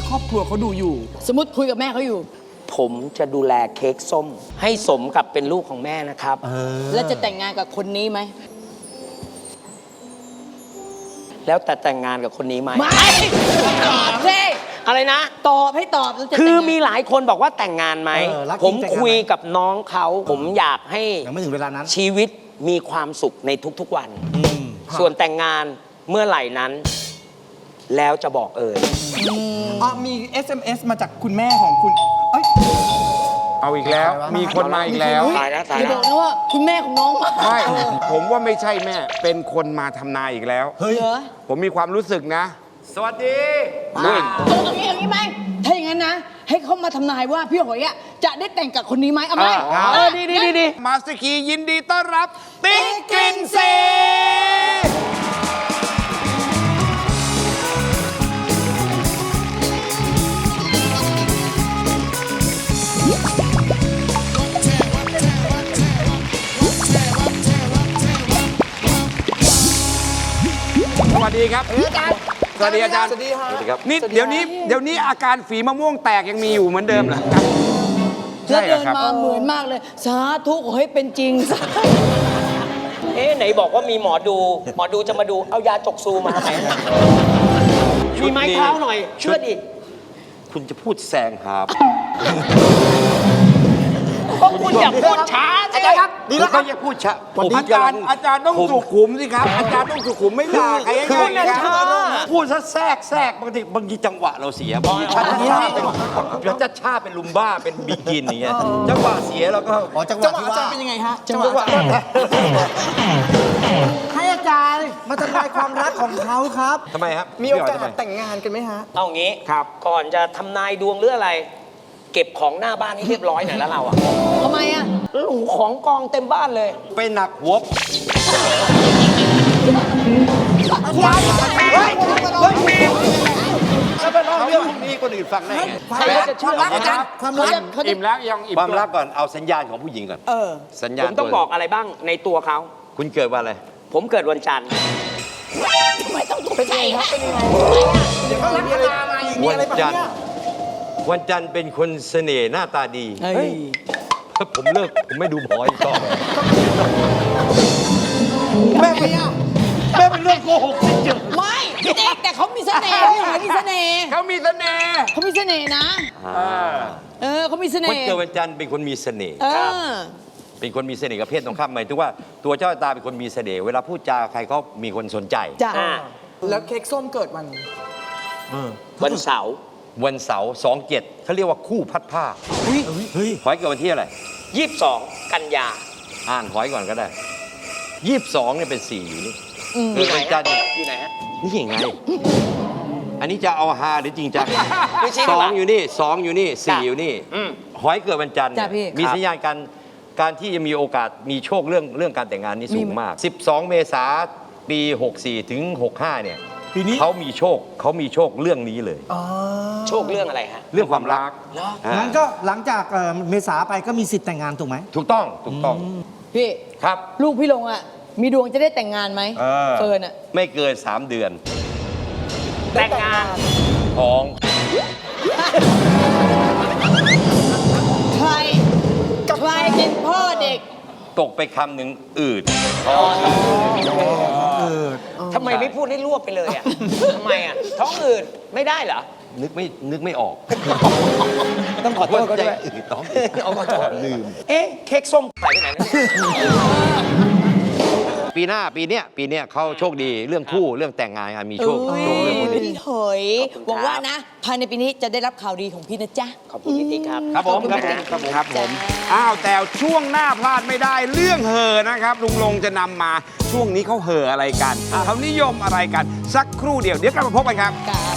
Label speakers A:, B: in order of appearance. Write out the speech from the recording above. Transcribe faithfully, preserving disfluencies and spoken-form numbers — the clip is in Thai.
A: ครอบครัวเขาดูอยู่
B: สมมติคุยกับแม่เขาอยู่
C: ผมจะดูแลเค้กส้มให้สมกับเป็นลูกของแม่นะครับ
B: แล้วจะแต่งงานกับคนนี้ไหม
C: แล้วแต่แต่งงานกับคนนี้ไหม
B: ไม่ตอบสิ
C: อะไรนะ
B: ตอบให้ตอบแล้วจะ
C: คือมีหลายคนบอกว่าแต่งงานไหมผมคุยกับน้องเขาผมอยากให้
D: ยังไม่ถึงเวลานั้น
C: ชีวิตมีความสุขในทุกๆวันส่วนแต่งงานเมื่อไหร่นั้นแล้วจะบอกเอ่ย
A: อ๋อมี เอส เอ็ม เอส มาจากคุณแม่ของคุณเอ้ย
E: เอาอีกแล้วมีคนมาอีกแล้ว
C: ตายแล้วตาย
B: อย่า
C: แล้
B: บ
C: ว
B: อกนะว่าคุณแม่ของน้องมา
E: ไม่ผมว่าไม่ใช่แม่เป็นคนมาทำนายอีกแล้ว
B: เฮ้ยเหรอ
E: ผมมีความรู้สึกนะ สวัสดี
B: นั่นตรงตรงนี้อย่างนี้ไหมถ้าอย่างนั้นนะให้เขามาทำนายว่าพี่หอยอ่ะจะได้แต่งกับคนนี้ไหมเอาไหม
C: เออดีดีดีดี
E: มาสกียินดีต้อนรับติ๊กกินเซสวัสดีครับสวัสดีอาจารย์สวัสดีครับนี่เดี๋ยวนี้เดี๋ยวนี้อาการฝีมะม่วงแตกยังมีอยู่เหมือนเดิมเหรอครับ
B: แล้วเดินมาเหมือนมากเลยสาธุขอให้เป็นจริง
C: เอ๊ะไหนบอกว่ามีหมอดูหมอดูจะมาดูเอายาจกซูมาไหนมีไม้เท้าหน่อยเชื่อดิ
D: คุณจะพูดแซงครับ
C: คุณอย่าพูดช้าอาจารย์ครับ
D: ดีแล้วครับอย่าพูดช้า
E: อาจารย์อาจารย์ต้องสุขุมสิครับอาจารย์ต้องสุขุมไม่ด่าใครง่ายๆครับ
D: พูดซะแทรกแทรกบางทีบางทีจังหวะเราเสียบางทีชัดชาเป็นชัดชาเป็นลุมบ้าเป็นบิกินอย่างเงี้ยจังหวะเสียเราก็
A: อ๋อจังหวะอาจารย์เป็นยังไงฮะ
D: จังหวะ
A: ให้อาจารย์มาทำลายความรักของเขาครับ
D: ทำไมครับ
A: มีโอกาสแต่งงานกันไหมฮะ
C: เอางี้ครับก่อนจะทำนายดวงหรืออะไรเก็บของหน้าบ้านให้เรียบร้อยหน่อยแล้วเราอะ
B: ทำไมอะ
C: ของกองเต็มบ้านเลย
D: ไปหนักหัวแล้วเป็นเรื่องพวกนี้คนอื่นฟังได้ไง
C: ใครจะเชื่ออาจารย์
E: ความรักอิ่มแล้วยังอิ่ม
D: ความรักก่อนเอาสัญญาณของผู้หญิงก่อน
B: เออ
D: สัญญาณ
C: ผมต้องบอกอะไรบ้างในตัวเขา
D: คุณเกิดวันอะไร
C: ผมเกิดวันจันทร์
B: ทำไมต้องเป็นไงครับเป็นยังไง
A: เดี๋ยวเขารักกันมาอีกมีอะไรบ้างเนี่ย
D: วันจันทร์เป็นคนเสน่ห์หน้าตาดีเฮ้ยผมเลิกผมไม่ดูหมออีกต่อแม่เป็นแม่เป็นเรื่องโกหกจริง
B: ๆไม่พี่เด็กแต่เขามีเสน่ห์พี่หอยมีเสน่ห์
E: เขามีเสน่ห์
B: เขามีเสน่ห์นะเออเขามีเสน่ห์
D: คนเกิดวันจันทร์เป็นคนมีเสน่ห์เป็นคนมีเสน่ห์กับเพศตรงข้ามหมายถึงว่าตัวเจ้าตาเป็นคนมีเสน่ห์เวลาพูดจาใครก็มีคนสนใจ
B: จ้ะ
A: แล้วเค้กส้มเกิดวัน
C: วันเสาร์
D: วันเสาร์สองเจ็ดเขาเรียกว่าคู่พัดผ้าเฮ้ยหอยเกิดวันที่อะไร
C: ยี่สิบสองกันยา
D: อ่านหอยก่อนก็ได้ยี่สิบสองเนี่ยเป็นสี่อยู่นี่
C: อยู่ไหนฮะอยู่ไหนฮะ
D: นี่ยังไงอันนี้จะเอาฮาหรือจริงจังสองอยู่นี่สองอยู่นี่สี่อยู่นี่หอยเกิดวันจันทร์มีสัญญาณการการที่จะมีโอกาสมีโชคเรื่องเรื่องการแต่งงานนี่สูงมากสิบสองเมษายนปีหกสี่ถึงหกห้าเนี่ยเขามีโชคเขามีโชคเรื่องนี้เลย
C: โชคเรื่องอะไรฮะ
D: เรื่องความรัก
A: งั้นก็หลังจากเมษาไปก็มีสิทธิ์แต่งงานถูกไหม
D: ถูกต้องถูกต้อง
B: พี่
D: ครับ
B: ลูกพี่ลงอ่ะมีดวงจะได้แต่งงานไหมเฟิร์นอ่ะ
D: ไม่เกินสามเดือน
C: แต่งงาน
D: ท้อง
B: ใครใครเป็นพ่อเด็ก
D: ตกไปคำหนึ่งอืด
C: ทำไมไม่พูดให้รวบไปเลยอ่ะทำไมอ่ะท้องอืดไม่ได้เหรอ
D: นึกไม่นึกไม่ออก
C: ต้องขอโทษก็ด้วย
D: อืดท้อง
C: เอาขอโทษลืมเอ๊ะเค้กส้มหายไปไหนนั่น
D: ปีหน้าปีเนี้ยปีเนี้ยเขาโชคดีเรื่องคู่เรื่องแต่งงานมีโชคโชคเรื่องนี้
B: พี่หอยหวังว่านะภายในปีนี้จะได้รับข่าวดีของพี่นะจ๊ะ
C: ขอบคุณพี่ติ๊กครับ
E: ครับผมครับผมครับผมอ้าวแต่ช่วงหน้าพลาดไม่ได้เรื่องเห่อนะครับลุงลงจะนำมาช่วงนี้เขาเห่ออะไรกันเขานิยมอะไรกันสักครู่เดียวเดี๋ยวกลับมาพบกันครับ